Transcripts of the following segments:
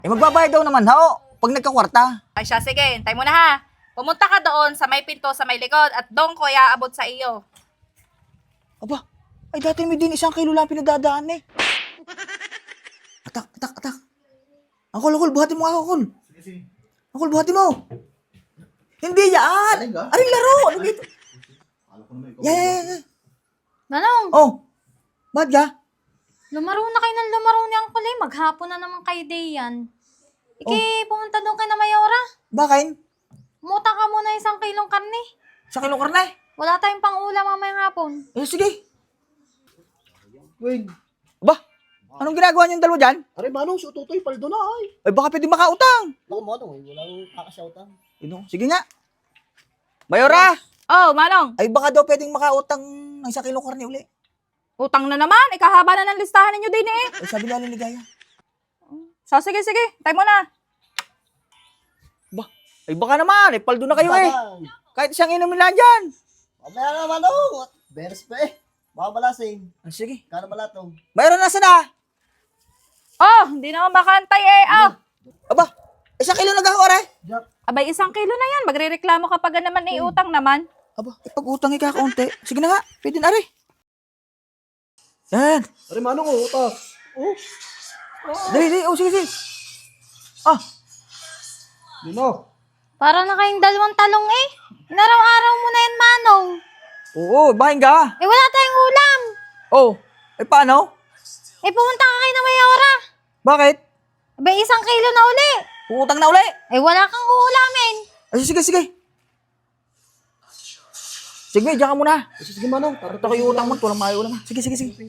Magbabayad daw naman ho, pag nagkakwarta. Ay siya, sige, hintay mo na ha. Pumunta ka doon sa may pinto sa may likod at doon ko iaabot sa iyo. Aba, ay dati may din 1 kilo lang pinagdadaan eh. Atak. Angkol, buhatin mo ako, Angkol. Sige. Angkol, buhatin mo. Hindi yan. Aring laro. Ano dito? Alam ko naman ikaw. Yeah. Manong, Oh, ba't ka? lumaro na kayo ng lumaro ni Uncle eh. Maghapon na naman kayo day yan. Pumunta doon kay na Mayora. Bakain? Umuta ka muna 1 kilong karne. 1 kilong karne? Wala tayong pang-ulam mamayang hapon. Eh, sige. Wait. Aba, anong ginagawa niyong dalawa dyan? Aray, manong, si Utotoy, paldo na ay. Ay, baka pwede makautang. Naku, manong, walang kakasyautan. Sige nga. Mayora, Oh, Manong, ay baka daw pwedeng makautang ng 1 kilong karne uli. utang na naman. Ikahaba na ng listahan ninyo din eh. Ay, sabi nga ni Ligaya. So, sige, hintay mo na. Ba, ay baka naman, ay paldo na kayo eh. Kahit isang inumin lang dyan. Mamaya na, manong. Beres pa eh. Baka malasing. Ay, sige. Kano malatong? Mayroon nasa na. Oh, hindi naman makantay eh. Oh. Aba, 1 kilo nag-ahora eh. Jack. Abay, 1 kilo na yan. Magre-reklamo kapag naman utang naman. Aba, pag-utang ikakaunti. Sige na nga, pwede na rin. Yan. Aray, manong, utas. Oh. Dali. Oh, sige. Ah, Yun o. Para na kayong 2 talong eh. Inaraw-araw mo na yan, Manong. oo, bahin ka. Wala tayong ulam. Oh, eh paano? Pumunta ka kay na Mayora. Bakit? Abay, 1 kilo na uli. Uutang na uli. Wala kang uulamin. Ay, sige. Sige, diyan ka muna. Sige, manong. Ito ko yung utang mo, walang maayo ulam. Sige.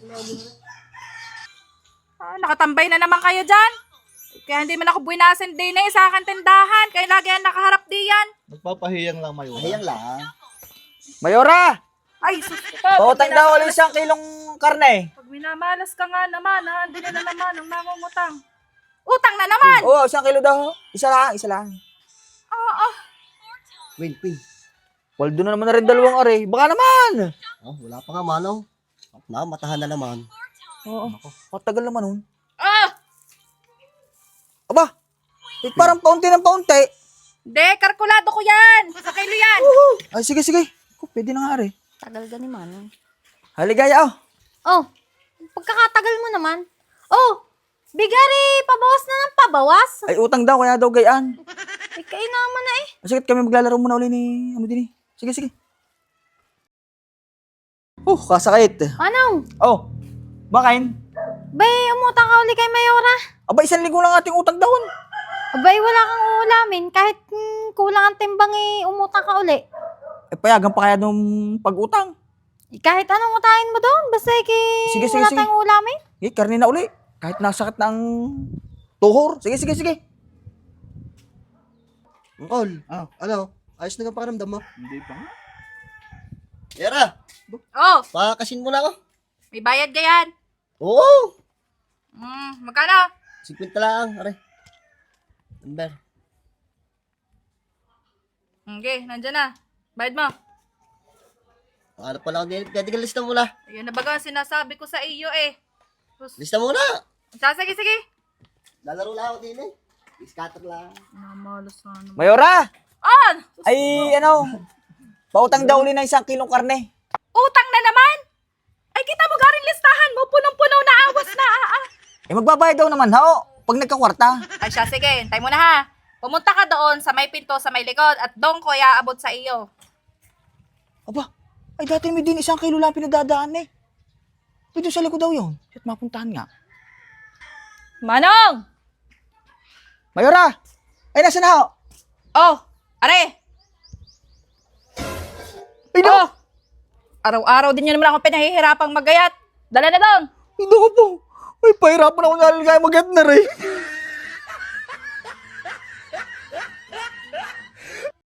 Ah, nakatambay na naman kayo dyan. Kaya hindi man ako buwinasin din eh sa akin tindahan. Kaya lagi yan nakaharap di yan. Nagpapahiyang lang mayo. Ayan lang. Mayora, Ay, sus ko. pautang daw ulit 1 kilong karne. Pag minamalas ka nga naman, ha? Hindi na naman ang mangungutang. Utang na naman! Oo, 1 kilo daw. Isa lang. Oo. Wait. Waldo na naman na rin 2 are. Baka naman. Oh, wala pa nga, manong. Matahan na naman. Oo, matagal naman nun. Ah! Aba, parang paunti ng paunti. Hindi, kalkulado ko yan. Sa kilo yan. Ay, sige. Pwede na nga are. Tagal ka ni Manong. Haligaya, oh. Oh, pagkakatagal mo naman. Oh, bigari, pabawas na ng pabawas. Ay, utang daw, kaya daw gayaan. Kayo naman na eh. Sige, kami maglalaro muna uli ni, din eh. Sige. Kasakit. Manong, Oh, bakain. bay, umutang ka uli kay Mayora. Aba, 1 linggo lang ating utang daw. Abay, wala kang uulamin. Kahit kulang ang timbang umutang ka uli. Eh, payagan pa kaya nung pag-utang. Kahit anong utahin mo doon. Basta Sige. wala tayong uulamin. Eh, karne na uli. Kahit nasakit ng tuhor. Sige. Angkol. Ah. Ano? Ayos na nga pakiramdam mo. Hindi pa nga. Yara, Oh, pakasin mo na ako. may bayad ka yan. Oo. Magkano? 50 lang, aray. Number. Okay, nandyan na. Bayad mo. Ano pala ako din? Pwede ka lista muna. Ayun na baga ang sinasabi ko sa iyo eh. Lista muna. Sige. Lalaro lang ako din eh. Scatter lang. Namalas na naman. Mayora, Ah! ay pautang daw uli ng 1 kilong karne. Utang na naman? Ay, kita mo garing listahan mo. Punong-puno na awas na. Eh, magbabayad daw naman ho, pag nagkakwarta. Ay siya, sige. Hintay mo na ha. Pumunta ka doon sa may pinto sa may likod at doon ko iaabot sa iyo. Aba, ay dati may din 1 kilo lang pinagdadaan eh. Pwede sa likod daw yun. At mapuntahan nga. Manong! Mayora, ay nasa na ho? Oh, are! Ay, Oh! Araw-araw din nyo naman ako pinahihirapang magayat. Dala na doon! Hindi ko po. Ay, pahirapan ako naligaya mag-get na rin.